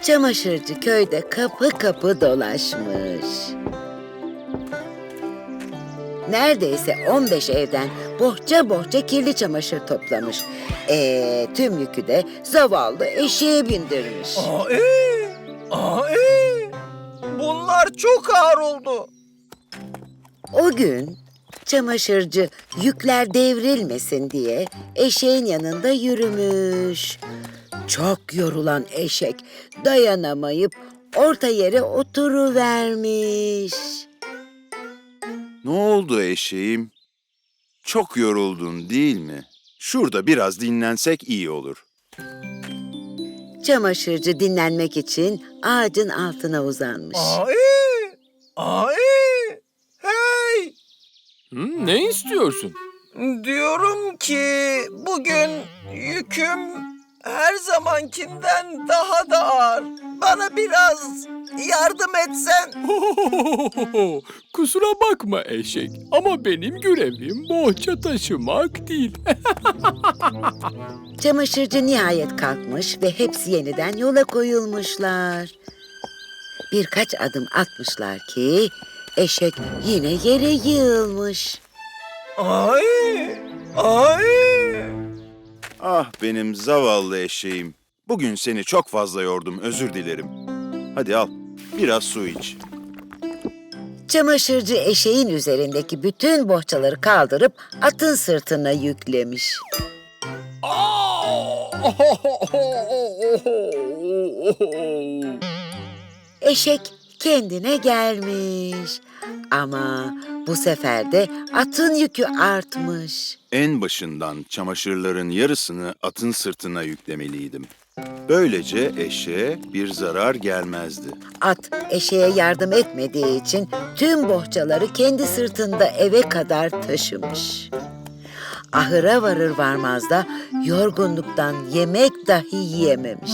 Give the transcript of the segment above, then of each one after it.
Çamaşırcı köyde kapı kapı dolaşmış. Neredeyse 15 evden bohça bohça kirli çamaşır toplamış. Tüm yükü de zavallı eşeğe bindirmiş. Bunlar çok ağır oldu. O gün çamaşırcı yükler devrilmesin diye eşeğin yanında yürümüş. Çok yorulan eşek dayanamayıp orta yere oturuvermiş. Ne oldu eşeğim? Çok yoruldun değil mi? Şurada biraz dinlensek iyi olur. Çamaşırcı dinlenmek için ağacın altına uzanmış. Hey! Ne istiyorsun? Diyorum ki bugün yüküm her zamankinden daha da ağır. Bana biraz yardım etsen. Kusura bakma eşek ama benim görevim bohça taşımak değil. Çamaşırcı nihayet kalkmış ve hepsi yeniden yola koyulmuşlar. Birkaç adım atmışlar ki eşek yine yere yığılmış. Ay! Ah benim zavallı eşeğim. Bugün seni çok fazla yordum, özür dilerim. Hadi al, biraz su iç. Çamaşırcı eşeğin üzerindeki bütün bohçaları kaldırıp atın sırtına yüklemiş. Eşek kendine gelmiş. Ama bu sefer de atın yükü artmış. En başından çamaşırların yarısını atın sırtına yüklemeliydim. Böylece eşeğe bir zarar gelmezdi. At eşeğe yardım etmediği için tüm bohçaları kendi sırtında eve kadar taşımış. Ahıra varır varmaz da yorgunluktan yemek dahi yiyememiş.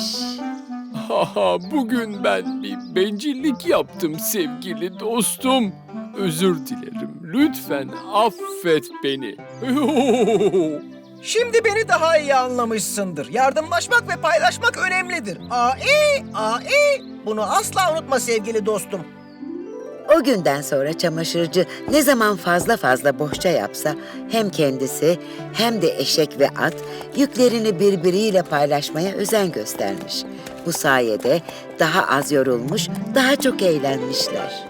Bugün ben bir bencillik yaptım sevgili dostum. Özür dilerim. Lütfen affet beni. Şimdi beni daha iyi anlamışsındır. Yardımlaşmak ve paylaşmak önemlidir. Bunu asla unutma sevgili dostum. O günden sonra çamaşırcı ne zaman fazla fazla bohça yapsa hem kendisi hem de eşek ve at yüklerini birbiriyle paylaşmaya özen göstermiş. Bu sayede daha az yorulmuş, daha çok eğlenmişler.